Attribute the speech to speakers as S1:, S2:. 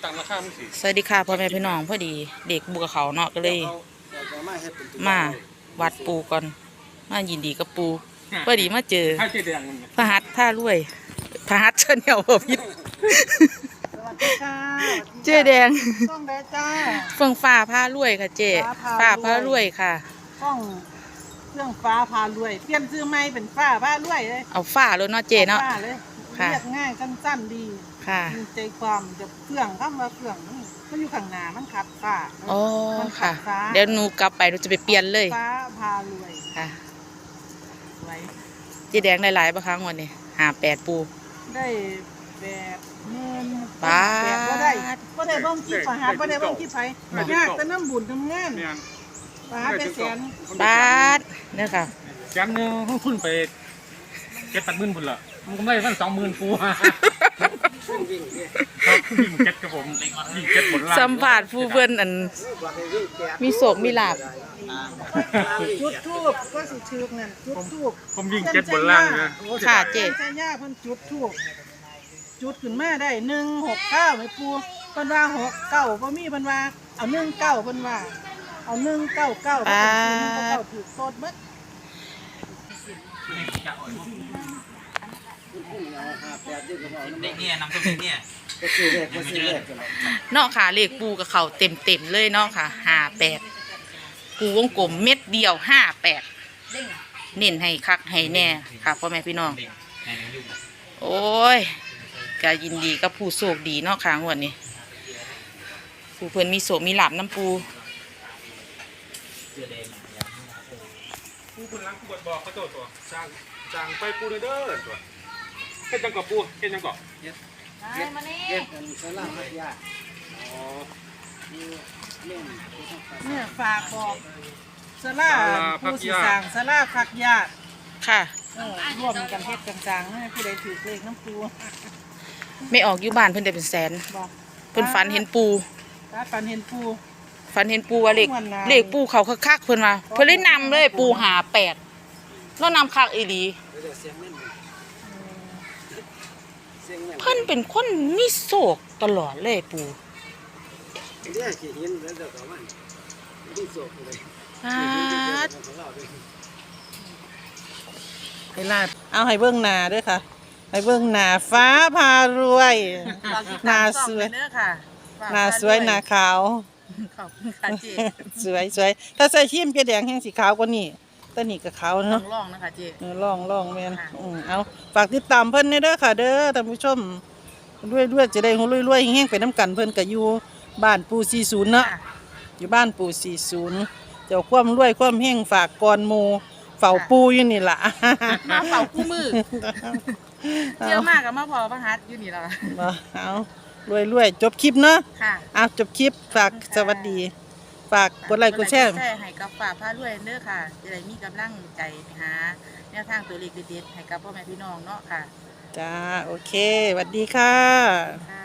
S1: สวัสดีค่ะพ่อแม่พี่น้องพอดีเด็กบุกเขาเนาะก็เลยมาวัดปูก่อนมายินดีกับปูพอดีมาเจอพระหัตถ์ท่ารวยพระหัตถ์เชิญเหี่ยวพิษเจ๊แดงเฟื่องฟ้าพารวยค่ะเจ๊ฟ้าพารวยค่ะ
S2: ต้องเครื่องฟ้าพารวยเปลี่ยนชื่อใหม่เป็นฟ้าพารวยเลย
S1: เอาฟ้าเลยเนาะเจ๊เนาะ
S2: เรียกง่ายสั้นๆดี
S1: ค่ะ
S2: มีใจความจะเครื่องคำว่าเครื่องมันอยู่ข้างหน้ามันขัดฟ้า
S1: อ๋อค่ะเดี๋ยวหนูกลับไปหนูจะไปเปลี่ยนเลย
S2: ฟ้าพารวย
S1: ค่ะ
S2: ไว้
S1: เจ๊แดงได้หลายประครั้งวันนี้58ปู
S2: ได้80,000
S1: ป้า
S2: ก็ได้เบิ่งคลิปหาบ่ได้เบิ่งคลิปไผยากแต่น้ำบุญทำงานป้าเป็นแสน
S1: บาทเนี่ยค่ะ
S3: แสนนึงพุ่นไป7-8 หมื่นพุ่นละมันก็ไม่ได้20,000ปูวิ่งเจ็ดกับผมวิ่งเจ็ดบนล่าง
S1: สัมผัสผู้เพื่อนอันมีโศกมีลาบ
S2: จุดทูบก็สิชื่อนั่นจุดทูบ
S3: ผมวิ่งเจ็ดบนล่างนะ
S1: ค่ะเจ๊
S2: ใช่ย่าเพิ่นจุดทูบจุดขึ้นมาได้169ไหมปูเพิ่นว่า69บ่มีเพิ่นว่าเอา19เพิ่นว่าเอา199ก็เป็น199ถูกโตดเบิด
S4: เนี่ยนำตัวเนี่ย
S1: เนาะค่ะเลขปูกับเขาเต็มเลยเนาะค่ะ58ปูวงกลมเม็ดเดียว58เน้นให้คักให้แน่ค่ะพ่อแม่พี่น้องโอ้ยก็ยินดีกับผู้โชคดีเนาะค่ะงวดนี้ผู้เพิ่นมีโชคมีลาภน้ำปู
S3: คนล้างขวดบอกเขาตัวจางไปปูเด้อตัวเฮ็ดจังกะปูเฮ็ดจังกะเฮ็ดสลามยาอ๋อ
S2: เนี่ยฝากบอกสลาผู้สิสร้างสลาพักญาติ
S1: ค่ะ
S2: ร่วมกันเฮ็ดกันสร้างให้ผู้ใดถือเลขน้ำปู
S1: ไม่ออกอยู่บ้านเพิ่นได้เป็นแสนเพิ่นฝันเห็นปู
S2: ฝันเห็นปู
S1: ว่าเลขปูเขาคักๆเพิ่นว่าเพิ่นเลยนำเลยปู58แล้วนำคักอีหลีเพิ่นเป็นคนมีโศกตลอดเลยปู
S2: เอาให้เบิ่งหน้าด้วยค่ะให้เบิ่งหน้าฟ้าพารวยหน้าสวยหน้าสวยหน้าขาว
S1: ขอบคุณค่ะเจ๊
S2: สวยถ้าใส่ครีมเจ๊แดงแห้งสีขาวกว่านี้ตัวนี้ก็ขาวเนาะ
S1: ลองนะคะเจ๊
S2: ลองแม่นเอาฝากติดตามเพิ่นเด้อค่ะเด้อท่านผู้ชมด้วยจะได้รวยๆแห้งๆไปน้ำกันเพิ่นก็อยู่บ้านปู40เนาะอยู่บ้านปู40เจ้าความรวยความแห้งฝากก่อนหมู่เฝ้าปูอยู่นี่ล่ะ
S1: มาเฝ้าคู่มือเชื่อมากกับมาพอพระหัตถ์อยู่นี่ล่ะ
S2: เอารวยจบคลิปเนาะเอาจบคลิปฝากสวัสดีฝากกดไลค์กดแชร์
S1: ให้กับฝากพารวยเด้อค่ะจะได้มีกำลังใจหาแนวทางตัวเลขเด็ดๆให้กับพ่อแม่พี่น้องเนาะค่ะ
S2: จ้าโอเคสวัสดีค่ะ